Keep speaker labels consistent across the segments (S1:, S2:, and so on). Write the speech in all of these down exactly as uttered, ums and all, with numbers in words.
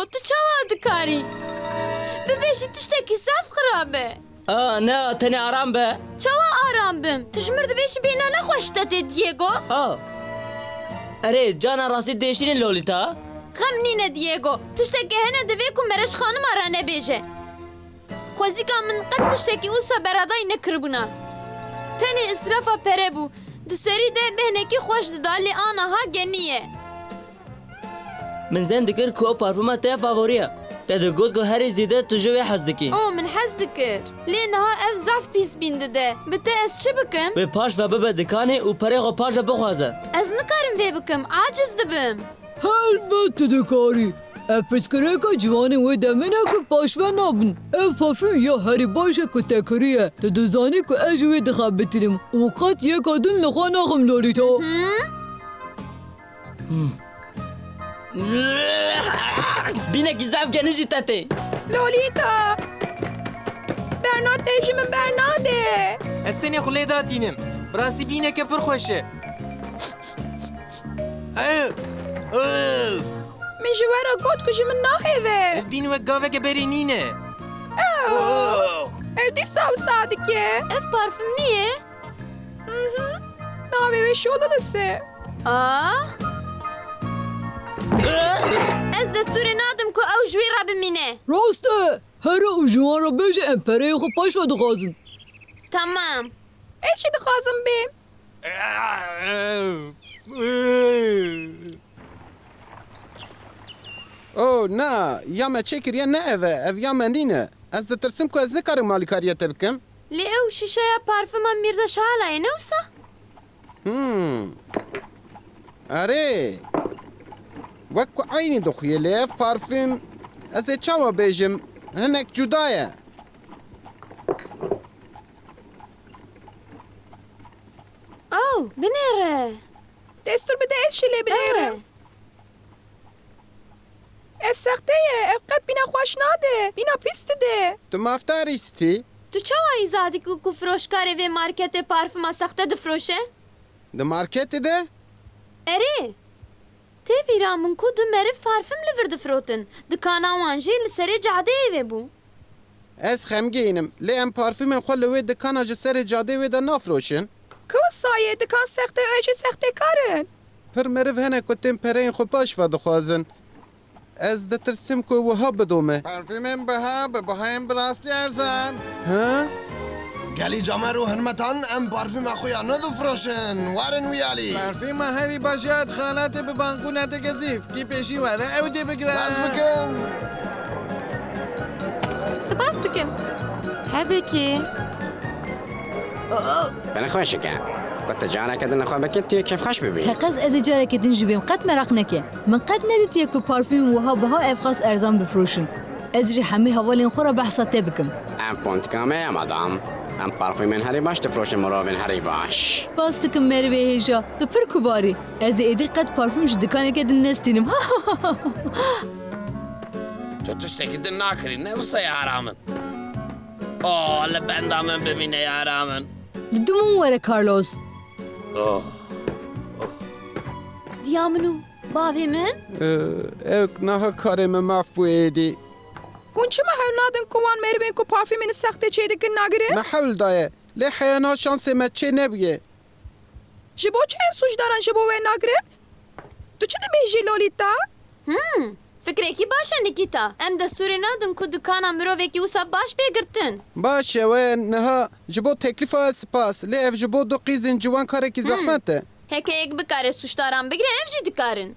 S1: تو چاوا دکاری ببیشی تشتکی صف خرابه
S2: آه نه تنی آرام به
S1: چاوا آرام بم تشمر دبیشی بینا نخوشتا تی دیگو
S2: آه اره جانا راستی دیشین لولیتا
S1: خم نینه دیگو تشتکی هنه دوی کن مرش خانم آرانه بیجه خوزی که من قد تشتکی اوسا برادای نکربونا تنی اسرافا پره بو دسری ده بهنکی خوش دالی آنا ها گنیه
S2: من زن دکر که پارفوما تا فاوریه تا دگود که هری زیده تو جوی حز دکی
S1: او من حز دکر لینها اف زعف پیس بینده ده بته از چه بکم؟
S2: و پاش و ببه دکانی و پره خو پاش بخوازه
S1: از نکارم وی بکم عاجز دبم
S3: البته دکاری افسکره که جوانی و دمینه که پاشوه نابن افافیم یا هری باشه که تکریه تا دوزانی که اجوی دخواه بتریم اوقات یک آدن لخواه ناخم لولیتا
S2: بینه که زف گنجی تاتی
S4: لولیتا برناد دیجی من برناده
S5: استنی خلی داتینم براستی بینه که پر خوشه اه اه
S4: من جوارا گوت کجی من ناهیوه
S5: بینه و گاوه که بری نینه
S4: او دی ساو سادکه
S1: اف پارفم نیه؟
S4: ناهیوه شولو لسه
S1: آه از دستور نادم که او جوی را بمینه
S3: راسته هر او جوان را بیشه امپره خو پاشوه دخوازن
S1: تمام
S4: ایچی دخوازم بیم
S6: او نه یا ما چه کریه نه اوه او یا من نینه از ده ترسم که از نکارم مالی کاریه بکم
S1: لی او شیشه پارفم میرزا شالای نوسا؟
S6: هم اره وکو عینی دخویه لیف پارفیم از چاوا بیجم هنک جدایه
S1: او بنره
S4: دستور بده ایچی لی بدیرم اف سخته اف قد بینا خوش ناده بینا پیست ده
S6: تو مفتر ایستی؟
S1: تو چه وایی زادی که که فروشکاری وی مارکت پارفما سخته دفروشه؟
S6: ده مارکت ده؟
S1: اره تی بیرامون که دو مرف پارفم لور دفروتن دکانا وانجی لسری جاده وی بو
S6: از خمگینم لی ام پارفیم خول وی دکانا جسر جاده وی ده نافروشن
S4: که سایه دکان سخته ایچی سخته کارن
S6: پر مرف هنه کتیم پرین خو پاش و دخوازن از ده ترسم که وها بدومه
S7: پارفیمم بها به بهایم براستی ارزان
S6: ها؟
S8: گلی جامعه رو هرمتان ام پارفیم اخویا ندو فروشن وارن ویالی
S7: پارفیم هری باشد خالات به بانکونت گزیف کی پیشی واره او دی بگیرم
S8: بس بکن
S1: سپاس دکم
S9: هبکی
S10: بنخواه که قد جانا كده نخواه بكت توی کف خش ببین
S3: تقز از جاره که دنج بیم قد مرق نکه من قد ندید یک پارفیم وها بها افخاص ارزان بفروشن از جی همه حوالین خورا بحثات بکم
S10: ام پونت کامه یا مدام ام پارفیمن هری باش تفروش مراوین هری باش
S3: باز دکم مروه هیجا دو پر کباری از ایدی قد پارفیم جدکانه که دن نستینم
S11: تو تشتکی دن ناکری نفسه یارامن آه لبندامن ببینه یارامن
S3: دومون وره کارلوس
S11: اوه
S1: دیامنو باوی من؟
S6: او نه کارم ماف بویدی
S4: هون چه محل نادن کوان مروین که پارفیمین سخته چه دکن نگره؟
S6: محل دایه لی حیانا شانس ما چه نبیه
S4: جبو چه هم سوش دارن جبو و نگره؟ تو چه ده بیجی لولیتا؟
S1: هم فکره کی باشه نیکیتا ام دستوری ندن که دکانا مروه کی اوسا باش بگرتن
S6: باشه و نه جبو تکلیف ها سپاس لی اف جبو دو قیزن جوان کاره کی زحمته
S1: هکه یک بکاره سوشتاران بگیره ام جی دکارن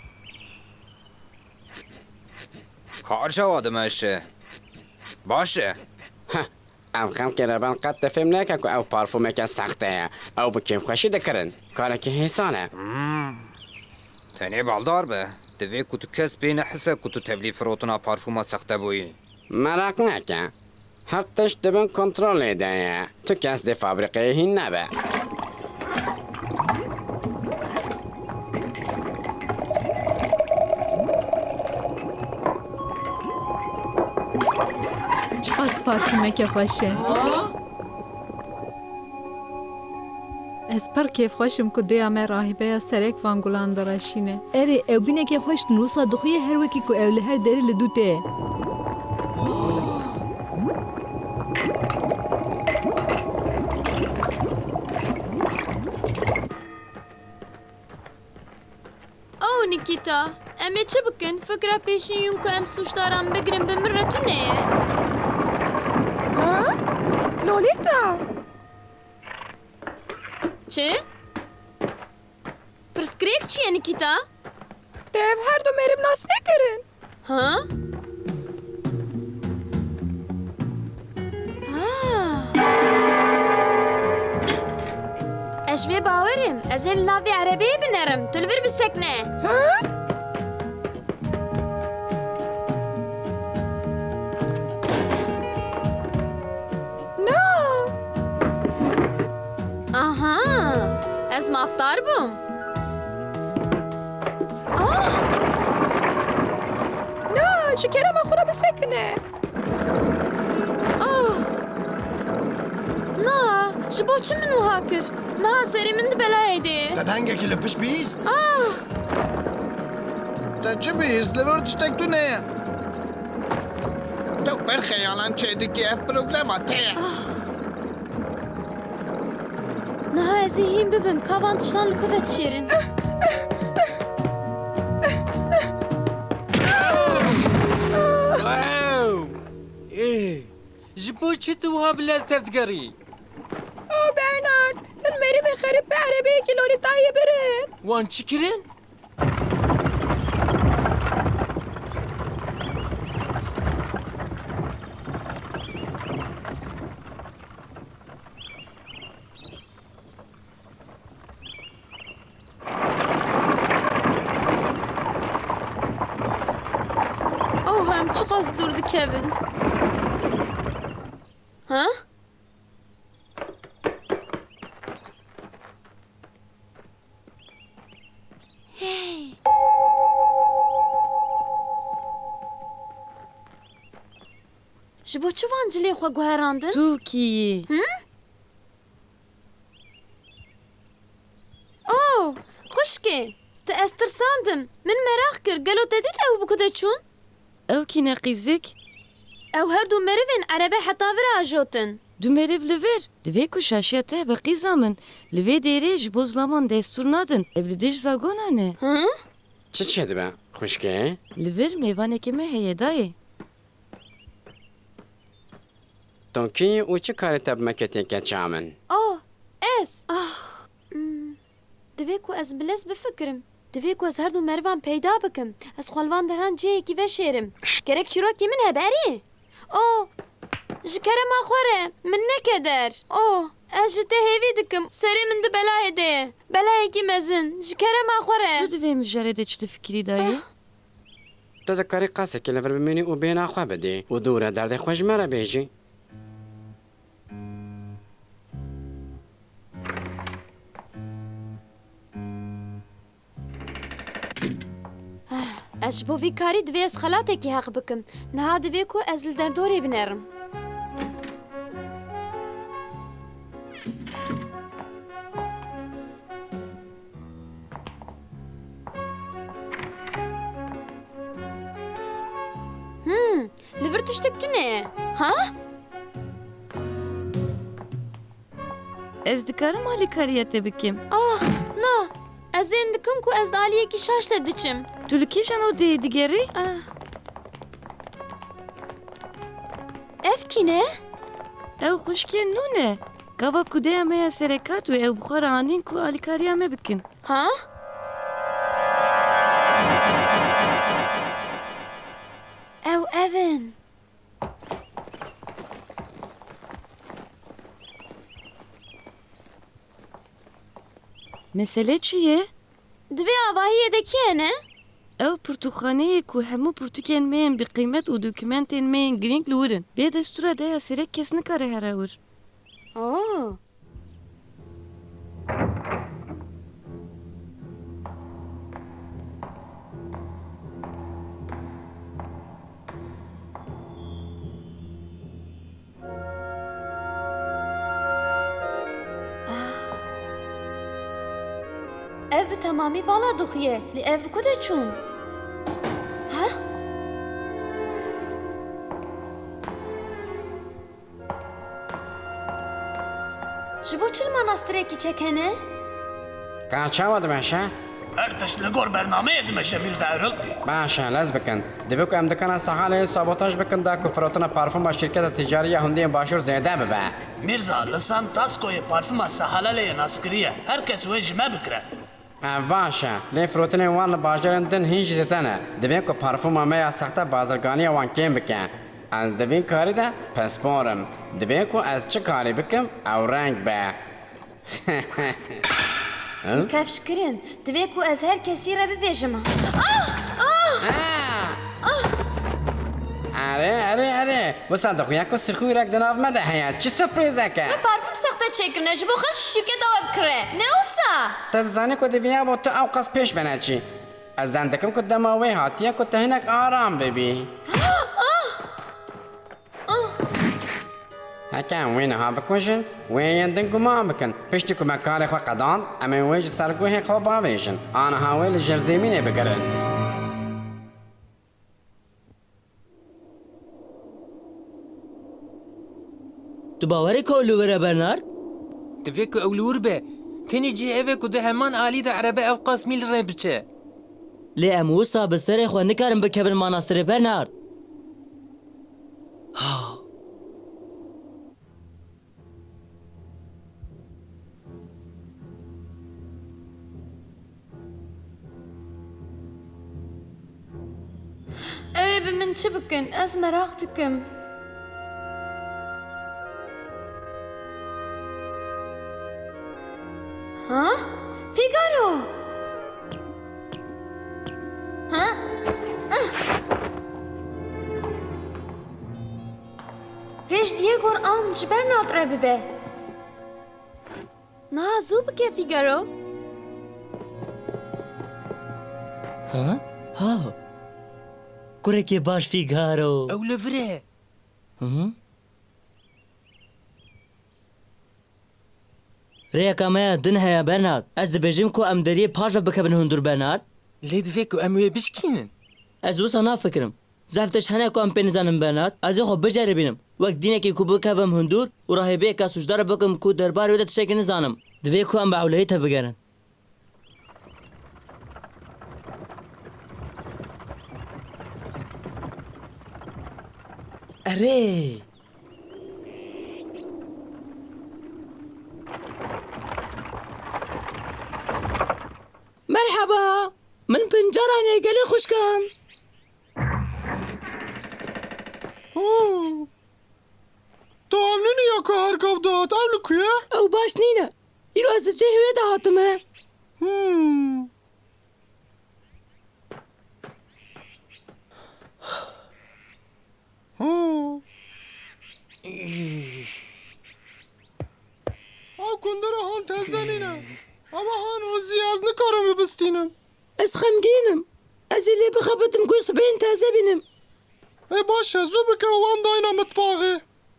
S12: کار شواده مشه باشه
S10: ام خم که ربان قد تفهم نکن که او پارفومه که سخته او بکیم خوشی دکرن کاره که حسانه
S12: تنی بالدار به دوی کتو کس بین حسه کتو تبلی فروتنا پارفوما سخته بویی
S10: مراق نکن حقش دبن کنترل ایده تو کس ده فابریقه هین نبه
S3: چقدر پارفیمه که خوشه
S9: Ez per kêfxweşim ku dêya me rahîbeya serek van gulan direşîne.
S3: Erê ew binekê xweş nûsa dixuye her wekî ku ew li her derê li dû tê.
S1: او نیکیتا ام چه بکن فکر پیشین یون که ام سوشتارم بگیرم به مره تو نه
S4: ها؟ لولیتا
S1: چه؟ پرسکریک چیه نیکیتا؟
S4: دیو هر دو مریم ناس نکرن
S1: ها؟ اشوی باورم از این ناوی عربی بنرم تلور بسکنه
S4: ها؟ نه
S1: آها از مافتار بوم آه
S4: نه شکرم خورا بسکنه
S1: آه نه جبو چه منو هاکر نه سری من دی بلای دی
S8: تدهنگه لپش بیست
S1: آه
S7: تا چه بیست لور تشتک تو نه تو پر خیالان چه دیگه اف پروگرام ته
S1: نه از این ببم کاوان تشتان لکوفت شیرین
S5: واو ايه جبو چه تو ها بلاز تفتگری
S4: او برنارد هن مریم خریب به عربی که لولیتایی برن
S5: وان چی کرن؟
S1: او هم چه قاس durdu Kevin ها؟ هی جبو چه وانجلی خوا گوهراندن؟
S13: تو کی؟
S1: او خوشکی تا استرساندم من مراخ کر گلو تدید او بکده چون؟
S13: او کی نقیزک؟
S1: او هر دو مروین عربه حتا ورا جوتن
S13: دو مریو لور دوی کو شاشیه ته بقی زامن لوی دیره جبو زلامان دستور نادن evli دیش زاگونانه
S1: ها؟
S10: چه چه دبه؟ خوشگه؟
S13: لور میوانه که مه هیه دایه
S10: تونکی او چه کاری تب مکتی که چامن؟
S1: اوه اس آه دوی کو از بلز بفکرم دوی کو از هر دو مروان پیدا بکم از خالوان دران جه کی و شیرم کرک چروکی من هبری اوه جکرم آخوره من نکدر اوه اجته هیوی دکم سری من ده بلای ده بلای کی مزن جکرم آخوره
S13: تو دوی مجرده چه فکری دایه؟
S10: تو دکاری قاسه که لور بمینی او بین آخوا بدی او دوره درد خوش مرا بیجی
S1: اش بو وی کاری دوی از خلاته کی حق بکم نه دوی کو از در دوری بنرم هم لور تشتک تو نه ها
S13: از دکارم آلی کاریته بکم
S1: آه نه از این دکم کو از دالیه کی شاش دچم
S13: تو لکیشان او دی دیگری؟
S1: اف کی نه؟
S13: او خوشکی نونه کوا کده همه یا سرکات و او بخار آنین کو آلی کاری همه بکن
S1: ها؟ او اون
S13: مسئله چیه؟
S1: دوی آواهی دکیه نه؟
S13: او پرتوخانه کو همو پرتوکین مین به قیمت و دوکیمنتین مین گرینگ لورن به دستور ده یا سرک کس نکاره هر اور
S1: اوه ev bi temamî vala duxiye. Li ev ku de çûn? Ha? Ji bo çil manastîrekî çekene?
S10: Ka çawa dimeşe?
S11: Her tişt li gor bernameyê dimeşe Mirza Erol.
S10: Başa lez bikin. Divê ku em dikana sahalê sabotaj bikin da ku firotina parfuma şirketa ticariya Hundiyên Başûr zêde bibe.
S11: Mirza, li San Taskoyê parfuma sehalaleyê naskiriye. Herkes wê ji me bikire.
S10: Ev baş e. Lê firotinên wan li bajarên din hîn jî zêde ne. Divê ku parfuma me ya sexte bazirganiya wan kêm bike. Ez di vî karî de pisporim. Divê ku ez çi karî bikim ew reng be.
S1: Kevşkirin, divê ku ez her kesî re bibêjim. Ah! Ah!
S10: Erê erê erê. Wisa dixuye ku sixûrek di nav me de heye. Çi sürprîzek e?
S1: Me parfüm sexte çekirine ji bo xwe şîrketa we bikire. Ne wisa?
S10: Te dizanî ku divêya bo tu ew qas pêş veneçî. Ez zan dikim ku dema wê hatiye ku tu hinek aram bibî. Heke em wê niha bikujin, wê yên din guman bikin. Piştî ku me karê xwe qedand, em ê wê ji serguhê xwe bavêjin. Aniha wê li jer zêmînê bigirin.
S2: Tu bawerî ku ew li wir e Bernard?
S5: Divê ku ew li wir be. Tenê cî evê ku di heman alî de erebe ew qas mîl re biçe.
S2: Lê em wisa bi serê xwe nikarin bikevin manastîrê Bernard.
S1: Ew ê bi min çi bikin? Ez merak dikim. Ha? Figaro! Ha? Vêj Diegor an ji Bernard re bibe. Niha zû bike Figaro.
S2: Ha? Ha. Kurekê baş Figaro.
S5: Ew li vir e.
S2: Hı? Rêyeka me ya din heye Bernard. Ez dibêjim ku em deriyê paş ve bikevin hundir Bernard.
S5: Lê divê ku em wê bişkînin.
S2: Ez wisa nafikirim. Zev tişt hene ku em pê nizanin Bernard. Ez ê xwe biceribînim. Wek dînekê ku bikevim hundur û rahibeyeka sujdar bikim ku derbarê wê de tiştekî nizanim. Divê ku em bi ewlehî tevegerin. Erê! Merhaba! Min pincaranê gelê xuşkan.
S8: Tu ev nîniya ku her gav dihat ew li ku ye?
S2: Ew baş nîne. Îro ez di cihê de hatime.
S8: Hmm. Ew kundera han teze nîne. Ama han rizî ez nikarim bibistînim.
S2: Ez xemgînim. Ez ê lê bixebitim ku sibehên teze bînim.
S8: Ê baş e zû bike wan dayna mitbaxê.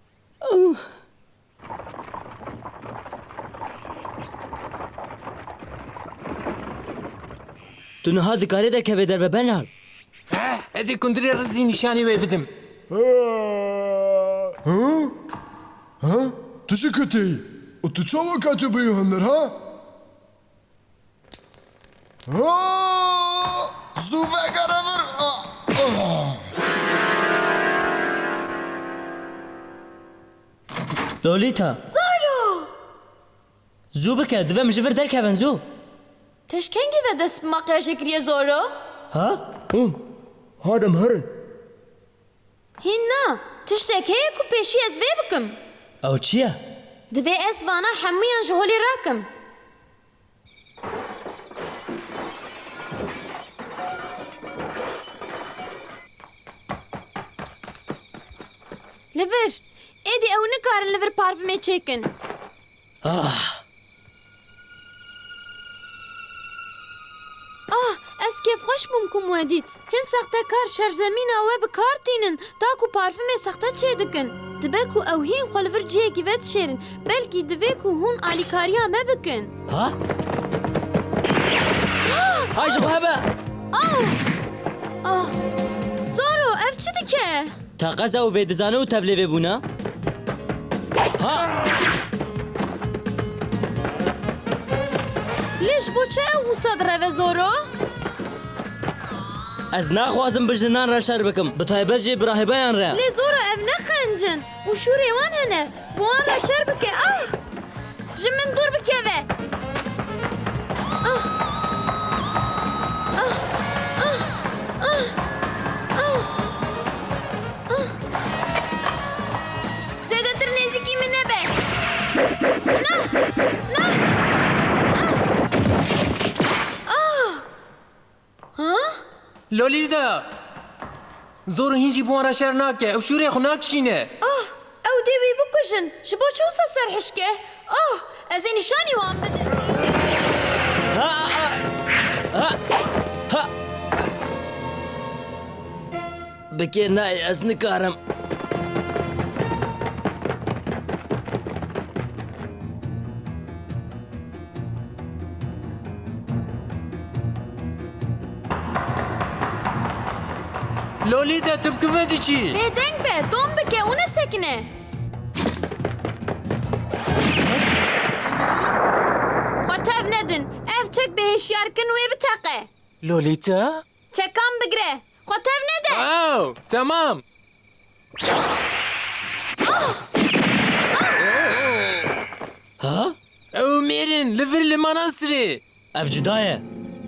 S2: Tu niha dikarî de kevê derve Bernard.
S5: Ha? Ez ê kundirê rizî nîşanî wê bidim.
S8: Ha? Ha? Tu çi kitî? û tu çawa ketî bî hundir ha? Ha! Zû vegere vir.
S2: Lolita.
S1: Zaro!
S2: Zû bike divê min ji vir derkevin zû.
S1: Teşkengî ve dest bi makyajê kiriye Zoro?
S2: Ha? Hûn. Hadim hirin.
S1: Hîn na. Tiştek heye ku pêşî ez vê bikim.
S2: Ew çi ye?
S1: Divê ez vana hemûyan ji holê rakim. Li vir. Êdî ew nikarin li vir parfümê çêkin.
S2: Ah!
S1: Ah, ez kêfxweş bûm ku we dît. Hin sextekar şerzemîna we bi kar tînin ta ku parfümê sexte çê dikin. Dibe ku ew hîn xwe li vir ciyekî ve dişêrin. Belkî divê ku hûn alîkariya me bikin.
S2: Ha? های جخو هبه
S1: آه آه زورو اف چی دیکه؟
S2: تا قزا و ویدزانه و تبلیوه بونا ها
S1: لیش بو چه او صد روه زورو؟
S2: از ناخوازم بجنان را شر بکم بطایبه جی براهبایان را
S1: لی زورو اف نخنجن و شوری وان هنه بوان را شر بکه آه جمن دور بکه وه آه آه آه آه آه آه زیده تر نزیکی من نبه نه نه
S5: لولیدا زور هینجی بوان را شر ناکه او شوری خو ناکشینه
S1: آه او دیوی بکشن شبو چوسا سرحشکه آه از این نشانی وان بده
S2: ها ها ها بکر نای از نکارم
S5: لولیدا تبکوه دی چی؟
S1: بهدنگ به دوم بکه اونه سکنه خطاب ندن اف چک به هشیار کن وی بتاقه
S5: لولیتا؟
S1: چکام بگره خطاب ندن
S5: او تمام
S2: ها؟
S5: او میرن لفر لمناصره
S2: اف جدایه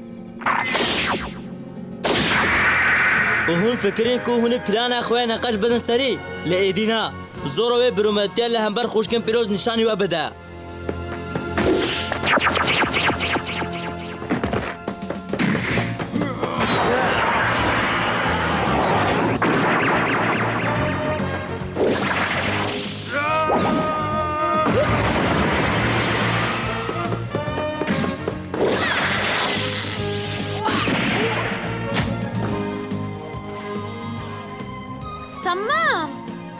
S2: و هون فکرین که هون پلان اخواه نقاش بدن سری لئیدینا زوروی برومتیل لهمبر خوشکن پیروز نشانی و بده
S1: تمام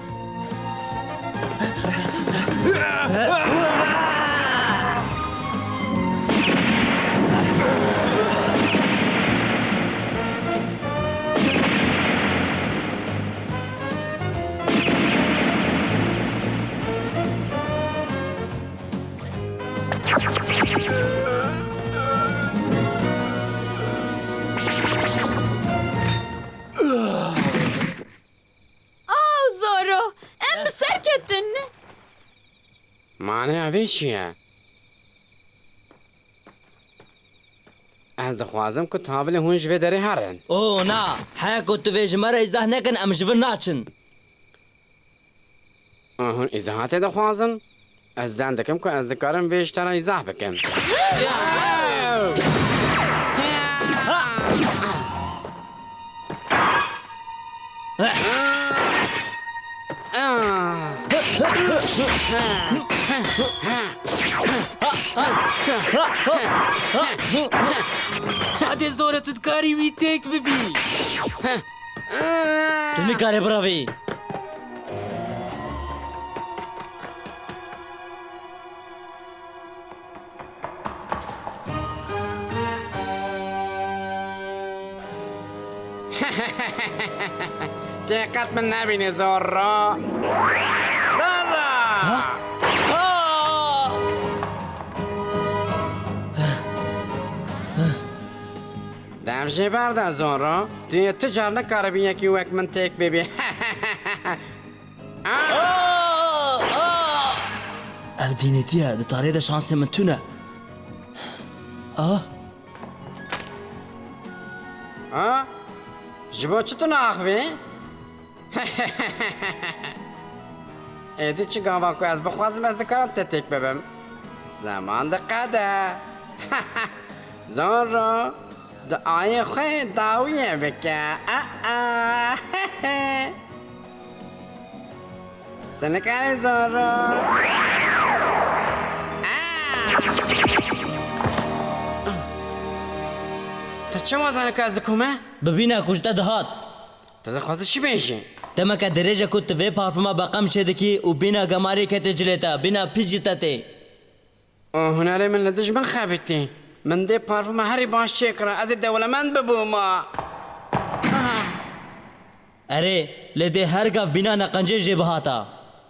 S10: معنی اوی چیه؟ از دخوازم که تابل هون جوه داره هرن
S2: او نا حیا که تو ویج مرا ایزاه نکن ام جور ناچن
S10: هون ایزاهات دخوازم؟ از زن دکم که از دکارم بیشتر ایزاه بکم
S5: هاده زوره تدکاری وی تیک ببی
S2: تو نکاره براوی
S10: دقت من نبینی زورا زورا دمجه برده زورا توی تجار نکاره بین یکی وک من تیک ببی
S2: او دینیتیه ده تاریه ده شانسی من تونه آه
S10: آه جبو چطور ناخوی؟ ایدی چی گاوا که از بخوازم از دکارم تتیک ببم زمان دقیقه زورا ده آیه خوی داویه بکه ده نکاری زورا تا چه موازانه که از دکومه؟
S2: ببینه کشته دهات
S10: تا دخواسته چی بیشی؟
S2: تما که درجه کت وی پارفما بقم چه دکی و بینا گماری که تجلیتا بینا پیش جیتا تی
S10: هنره من لدش من خابتی من دێ پارفمە هەری باش چێکڕە ئەزێ دەوڵەمەند ببوومە
S2: ئەرێ لێ دێ هەرگاف بینا نەقەنجێ ژێ بهاتە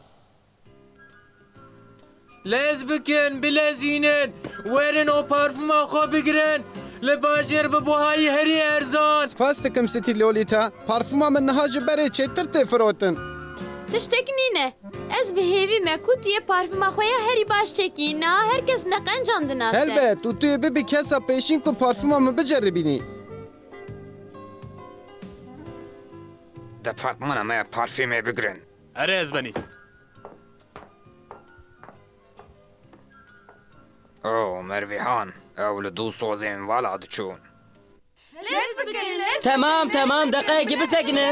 S5: لێز بکەن بلەزینن وەرن ئەو پارفما خۆ بگرن لە باژێر ببووهایی هەری ئەرزان
S6: سپاس دکم ستی لۆلیتا پارفما من نەها ji berê çêtir tê firotin.
S1: Tiştek nîne. Ez bi hêvî me ku tu yê parfuma xwe ya herî baş çekî na herkes neqencan dinase.
S6: Helbet û tu yê bibî kesa pêşîn ku parfuma min biceribînî.
S12: Departmana me parfümê bigirin.
S14: Ere ez benî.
S12: O Mervihan, ew li dû sozên vala diçûn.
S2: Tamam tamam دقیقی بسکنن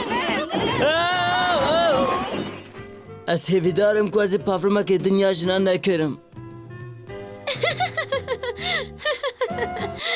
S2: از هیویدارم که از پافرما که دنیا جنان نکرم